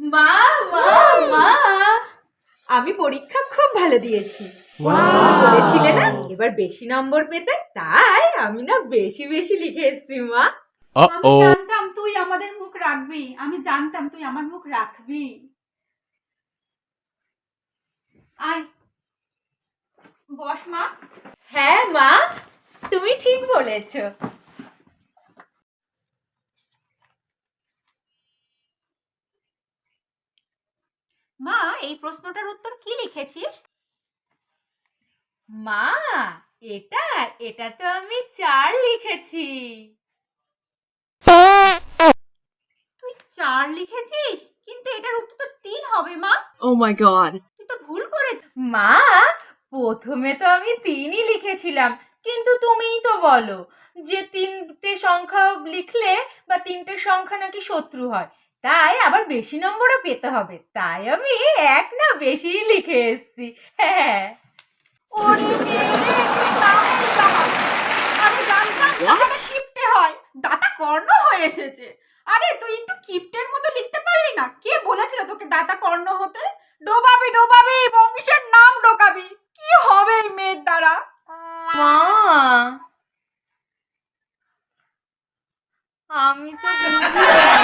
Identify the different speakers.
Speaker 1: মা মা মা, আমি পরীক্ষা খুব ভালো দিয়েছি। বলেছিলে না এবার বেশি নম্বর পেতে, তাই আমি না বেশি বেশি লিখে এসেছি মা।
Speaker 2: আমি জানতাম তুই আমাদের মুখ রাখবি, আমি জানতাম তুই আমার মুখ রাখবি। আয় বস মা।
Speaker 1: হ্যাঁ মা, তুমি ঠিক বলেছো।
Speaker 2: মা, এই প্রশ্নটার উত্তর কি লিখেছিস?
Speaker 1: মা, এটা এটা তো আমি 4 লিখেছি।
Speaker 2: তুই 4 লিখেছিস, কিন্তু এটার উত্তর তো 3 হবে মা।
Speaker 3: Oh my god.
Speaker 2: তুই তো ভুল করেছিস।
Speaker 1: মা, প্রথমে তো আমি 3ই লিখেছিলাম, কিন্তু তুমিই তো বলো যে 3টে সংখ্যা লিখলে বা 3টে সংখ্যা নাকি শত্রু হয়, তাই আবার বেশি নম্বরও পেতে হবে, তাই আমি 1 না বেশিই লিখে এসেছি। হ্যাঁ।
Speaker 2: ওরে মেরে, তুই নামেই সাহাব। আরে জানতাম সাহাবে কিপটে হয়, দাতা কর্ণ হয়ে এসেছে। আরে তুই একটু কিপটের মতো লিখতে পারলি না? কে বলেছিল তোকে দাতা কর্ণ হতে? ডোবাবি ডোবাবি, বংশের নাম ডোকাবি। কি হবে এই মেয়ের দ্বারা?
Speaker 1: মা, আমি তো